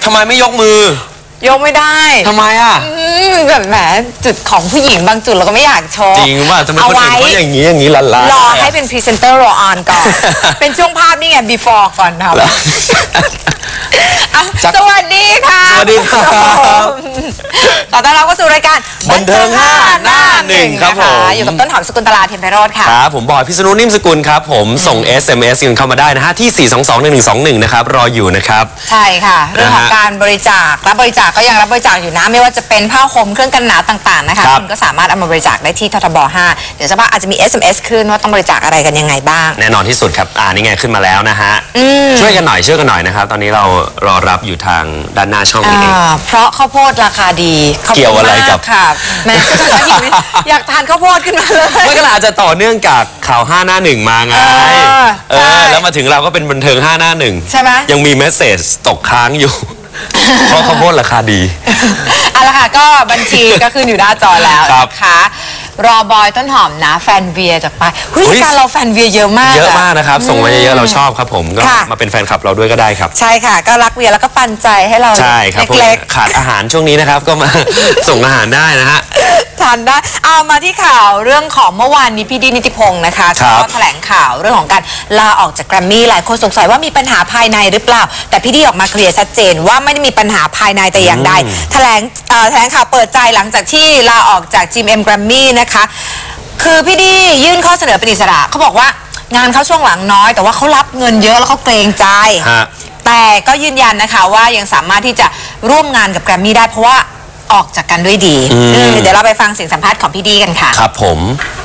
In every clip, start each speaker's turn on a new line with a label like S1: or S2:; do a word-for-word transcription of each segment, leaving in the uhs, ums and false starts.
S1: ทำไมไม่ยกมือย
S2: กไม่ได้
S1: ทำไมอ่ะ
S2: แบบแหมจุดของผู้หญิงบางจุดเราก็ไม่อยากโชว์
S1: จริงว่าทำไมคนอื่นเขาอย่างนี้อย่างนี้ละลาย
S2: รอให้เป็นพรีเซนเตอร์รอออนก่อนเป็นช่วงภาพนี่ไง before ก่อนครับสวัสดีค่ะ
S1: สวัสดีครับ
S2: ขอต้อนรับเข้าสู่รายการ
S1: บันเทิงห้าหน้าหนึ่งครับผม
S2: อยู่กับต้นหอมสกุลตลาเทียนไพโรจน์ค่ะ
S1: ครับผมบอยพิษณุนิ่มสกุลครับผมส่ง เอส เอ็ม เอส กันเข้ามาได้นะฮะที่สี่ สอง สอง หนึ่ง หนึ่ง สอง หนึ่งนะครับรออยู่นะครับ
S2: ใช่ค่ะเรื่องของการบริจาครับบริจาคก็ยังรับบริจาคอยู่นะไม่ว่าจะเป็นผ้าห่มเครื่องกันหนาวต่างๆนะคะคุณก็สามารถเอามาบริจาคได้ที่ททบห้าเดี๋ยวสักพักอาจจะมี เอส เอ็ม เอส ขึ้นว่าต้องบริจาคอะไรกันยังไงบ้าง
S1: แน่นอนที่สุดครับอ่านี่ไงขึ้นมาแล้วนะฮะช่วยกันหน่อยช่วยกันหน่อยนะครับตอนนี้เรารอรับอยู่ทางด้านหน้าช่องนี้เอง
S2: เพราะข้าวโพดราคาดี
S1: เกี่ยวอะไรกับ
S2: ค่ะแม่อยากทานข้าวโพดขึ้นมาเลย
S1: ไม่ก็อาจจะต่อเนื่องจากข่าวห้าหน้าหนึ่งมาไงเออแล้วมาถึงเราก็เป็นบันเทิงห้าหน้าหนึ่ง
S2: ใช่ไหม
S1: ยังมีเมสเซจตกค้างอยู่เพราะข้าวโพดราคาดี
S2: เอาละค่ะก็บัญชีก็ขึ้นอยู่หน้าจอแล้วนะคะรอบอยต้นหอมนะแฟนเวียจากไปเฮ้ยการเราแฟนเวียเยอะมาก
S1: เยอะมากนะครับส่งมาเยอะๆเราชอบครับผมก็มาเป็นแฟนคลับเราด้วยก็ได้ครับ
S2: ใช่ค่ะก็รักเวียแล้วก็ปันใจให้เรา
S1: ใช่ครับเล็กๆขาดอาหารช่วงนี้นะครับก็มาส่งอาหารได้นะฮะ
S2: ทานได้เอามาที่ข่าวเรื่องของเมื่อวานนี้พี่ดีนิติพงศ์นะคะก็แถลงข่าวเรื่องของการลาออกจากแกรมมี่หลายคนสงสัยว่ามีปัญหาภายในหรือเปล่าแต่พี่ดีออกมาเคลียร์ชัดเจนว่าไม่ได้มีปัญหาภายในแต่อย่างใดแถลงแถลงข่าวเปิดใจหลังจากที่ลาออกจาก จี เอ็ม แกรมมี่นะคะคือพี่ดียื่นข้อเสนอเป็นอิสระเขาบอกว่างานเขาช่วงหลังน้อยแต่ว่าเขารับเงินเยอะแล้วเขาเกรงใจแต่ก็ยืนยันนะคะว่ายังสามารถที่จะร่วมงานกับแกรมมี่ได้เพราะว่าออกจากกันด้วยดีเดี๋ยวเราไปฟังเสียงสัมภาษณ์ของพี่ดีกันค่ะ
S1: ครับผม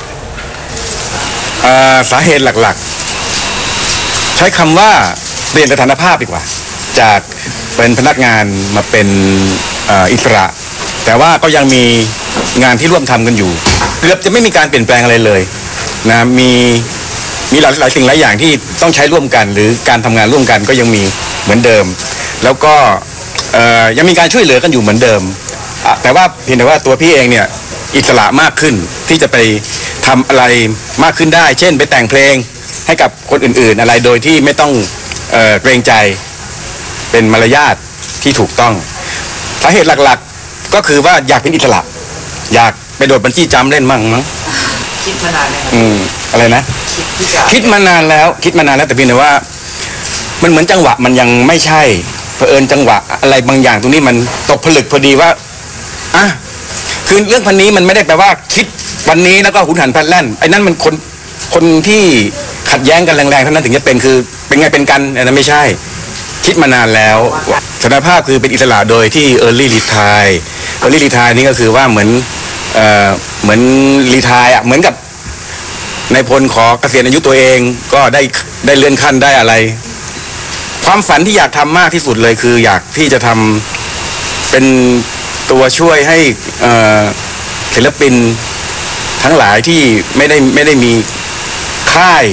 S3: สาเหตุหลักๆใช้คำว่าเปลี่ยนสถานภาพดีกว่าจากเป็นพนักงานมาเป็นอิสระแต่ว่าก็ยังมีงานที่ร่วมทำกันอยู่เกือบจะไม่มีการเปลี่ยนแปลงอะไรเลยนะมีมีหลายหลายสิ่งหลายอย่างที่ต้องใช้ร่วมกันหรือการทำงานร่วมกันก็ยังมีเหมือนเดิมแล้วก็ยังมีการช่วยเหลือกันอยู่เหมือนเดิมแต่ว่าเพียงแต่ว่าตัวพี่เองเนี่ยอิสระมากขึ้นที่จะไปทำอะไรมากขึ้นได้เช่นไปแต่งเพลงให้กับคนอื่นๆอะไรโดยที่ไม่ต้องเอ่อเกรงใจเป็นมารยาทที่ถูกต้องสาเหตุหลักๆก็คือว่าอยากเป็นอิสระอยากไปโดดบัญชีจำเล่นมั่งมั้ง
S2: คิดมานานแล้ว
S3: อืมอะไรนะคิดมานานแล้วคิดมานานแล้วแต่เพียงแต่ว่ามันเหมือนจังหวะมันยังไม่ใช่เผอิญจังหวะอะไรบางอย่างตรงนี้มันตกผลึกพอดีว่าอ่ะคือเรื่องพันนี้มันไม่ได้แปลว่าคิดวันนี้แล้วก็หุนหันพลันแล่นไอ้นั่นมันคนคนที่ขัดแย้งกันแรงๆเท่านั้นถึงจะเป็นคือเป็นไงเป็นกันอันนั้นไม่ใช่คิดมานานแล้วสถานภาพคือเป็นอิสระโดยที่ early retire early retire นี่ก็คือว่าเหมือนเอ่อเหมือน retire อ่ะเหมือนกับนายพลขอเกษียณอายุตัวเองก็ได้ได้เลื่อนขั้นได้อะไรความฝันที่อยากทำมากที่สุดเลยคืออยากที่จะทำเป็นตัวช่วยให้ศิลปินทั้งหลายที่ไม่ได้ไม่ได้มีค่าย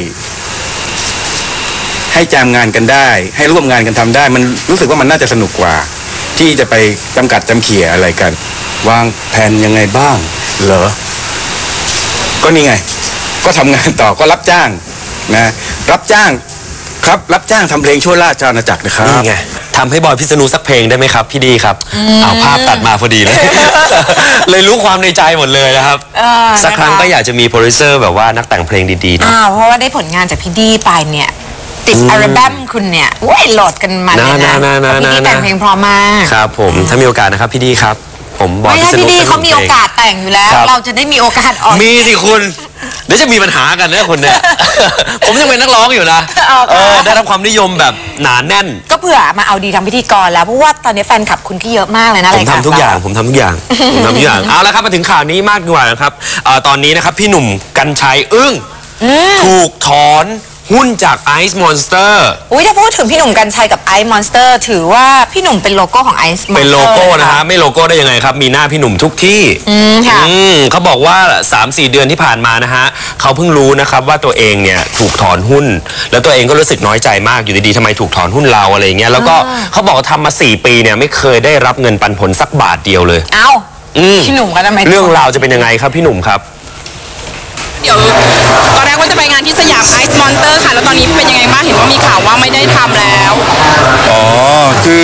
S3: ให้จำงานกันได้ให้ร่วมงานกันทำได้มันรู้สึกว่ามันน่าจะสนุกกว่าที่จะไปจำกัดจำเขี่ยอะไรกันวางแผนยังไงบ้างเหรอก็นี่ไงก็ทำงานต่อก็รับจ้างนะรับจ้างครับรับจ้างทำเพลงชั่วราชอาณาจักรนะครับ
S1: นี่ไงทำให้บอยพิษณุสักเพลงได้ไหมครับพี่ดีครับเอาภาพตัดมาพอดีเลยเลยรู้ความในใจหมดเลยนะครับสักครั้งก็อยากจะมีโปรดิวเซอร์แบบว่านักแต่งเพลงดีๆนะ
S2: เพราะว่าได้ผลงานจากพี่ดีไปเนี่ยติดอัลบั้มคุณเนี่ยว้ยโหลดกันมาเลยนะพี่ดีแต่งเพลงพร้อมมาก
S1: ครับผมถ้ามีโอกาสนะครับพี่ดีครับผมบอยพิษณุ
S2: พี่ดีเขามีโอกาสแต่งอยู่แล้วเราจะได้มีโอกาสออก
S1: มีสิคุณเดี๋ยวจะมีปัญหากันนะคุณเนี่ยผมยังเป็นนักร้องอยู่นะเออได้รับความนิยมแบบหนาแน่น
S2: ก็เผื่อมาเอาดีทางพิธีกรแล้วเพราะว่าตอนนี้แฟนคลับคุณก็เยอะมากเลยนะ
S1: ผมทำทุกอย่างผมทำทุกอย่างผมทำทุกอย่างเอาละครับมาถึงข่าวนี้มากดีกว่านะครับตอนนี้นะครับพี่หนุ่มกรรชัยอึ้งถูกถอนหุ้นจากไอซ์มอนสเตอร์
S2: อุ้ยถ้าพูดถึงพี่หนุ่มกรรชัยกับไอซ์มอนสเตอร์ถือว่าพี่หนุ่มเป็นโลโก้ของไอซ์มอนสเตอร์
S1: เป็นโลโก้นะฮะไม่โลโก้ได้ยังไงครับมีหน้าพี่หนุ่มทุกที่
S2: อืมค่ะ
S1: เขาบอกว่า สามสี่ เดือนที่ผ่านมานะฮะเขาเพิ่งรู้นะครับว่าตัวเองเนี่ยถูกถอนหุ้นแล้วตัวเองก็รู้สึกน้อยใจมากอยู่ดีๆทำไมถูกถอนหุ้นเราอะไรเงี้ยแล้วก็เขาบอกว่าทำมาสี่ปีเนี่ยไม่เคยได้รับเงินปันผลสักบาทเดียวเลย
S2: เอ้าพี่หนุ่มก็ทำไม
S1: เรื่องราวจะเป็นยังไงครับพี่หนุ่มครับ
S4: เดี๋ยวตอนแรกว่าจะไปงานที่สยามไอซ์มอนเตอร์ค่ะแล้วตอนนี้เป็นยังไงบ้างเห็นว่ามีข่าวว่าไม่ได้ทำแล้ว
S3: อ๋อคือ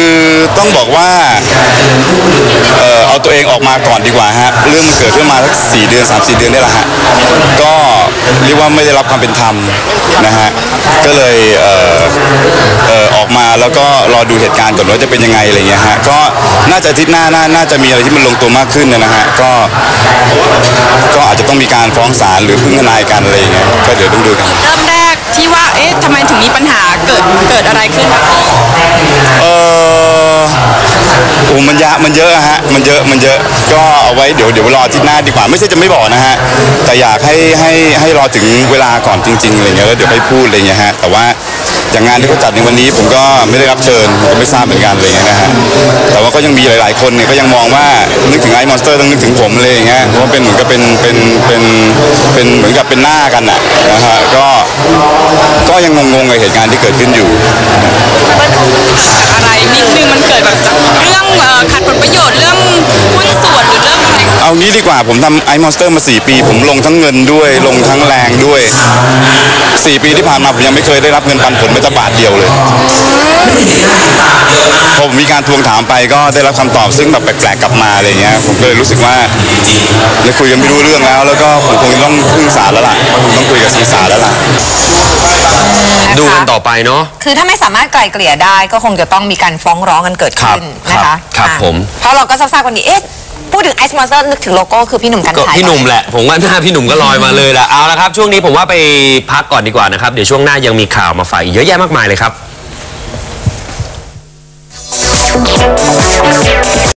S5: ต้องบอกว่าเออเอาตัวเองออกมาก่อนดีกว่าฮะเรื่องมันเกิดขึ้นมาสักสี่เดือนสามสี่เดือนนี่แหละฮะก็เรียกว่าไม่ได้รับความเป็นธรรมนะฮะก็เลยเออเออออกมาแล้วก็รอดูเหตุการณ์ก่อนว่าจะเป็นยังไงอะไรเงี้ยฮะก็น่าจะอาทิตย์หน้าน่าน่าจะมีอะไรที่มันลงตัวมากขึ้นนะฮะก็ก็อาจจะต้องมีการฟ้องศาลหรือพึ่งทนายกันอะไรอย่างเงี้ยก็เดี๋ยวต้องดูกัน
S4: เริ่มแรกที่ว่าเอ๊ะทำไมถึงมีปัญหาเกิดเกิดอะไรขึ้นคะ
S5: เออโอ้มันยะมันเยอะอะฮะมันเยอะมันเยอะก็เอาไว้เดี๋ยวเดี๋ยวรออาทิตย์หน้าดีกว่าไม่ใช่จะไม่บอกนะฮะแต่อยากให้ให้ให้รอถึงเวลาก่อนจริงๆอะไรเงี้ยแล้วเดี๋ยวไปพูดอะไรเงี้ยฮะแต่ว่าอย่างงานที่เขาจัดในวันนี้ผมก็ไม่ได้รับเชิญผมก็ไม่ทราบเหมือนกันอะไรเงี้ยนะฮะแต่ว่าก็ยังมีหลายๆคนเนี่ยก็ยังมองว่านึกถึงไอ้มอนสเตอร์ต้องนึกถึงผมเลยอย่างเงี้ยเพราะว่าเป็นเหมือนกับเป็นเป็นเป็นเป็นเหมือนกับเป็นหน้ากันน่ะนะฮะก็ก็ยังงงๆกับเหตุการณ์ที่เกิดขึ้นอยู่
S4: จากอะไรนิดนึงมันเกิดแบบจากเรื่องเอ่อขัดผลประโยชน์เรื่องหุ้นส่วนหรือเรื่องอะไร
S5: เอางี้ดีกว่าผมทำไอมอนสเตอร์มาสี่ปีผมลงทั้งเงินด้วยลงทั้งแรงด้วยสี่ปีที่ผ่านมาผมยังไม่เคยได้รับเงินปันผลแม้แต่บาทเดียวเลยพอผมมีการทวงถามไปก็ได้รับคำตอบซึ่งแบบแปลกๆกลับมาอะไรเงี้ยผมก็เลยรู้สึกว่าได้คุยกันไม่รู้เรื่องแล้วแล้วก็ผมคงต้องพึ่งศาลแล้วล่ะผมต้องคุยกับทางศาลแล้วล่ะ
S1: ดูกันต่อไปเนาะ
S2: คือถ้าไม่สามารถไกล่เกลี่ยได้ก็คงจะต้องมีการฟ้องร้องกันเกิดขึ้น
S1: ครับ
S2: นะคะ
S1: ครับ
S2: อ่ะ
S1: ผม
S2: เพราะเราก็ทราบๆกันดีเอ๊ะพูดถึงไอซ์มอนสเตอร์นึกถึงโลโก้คือพี่หนุ่มกัญ
S1: ก็
S2: ชัย
S1: พี่หนุ่มแหละผมว่าหน้าพี่หนุ่มก็ลอยมาเลยแหละเอาละครับช่วงนี้ผมว่าไปพักก่อนดีกว่านะครับเดี๋ยวช่วงหน้ายังมีข่าวมาฝากอีกเยอะแยะมากมายเลยครับ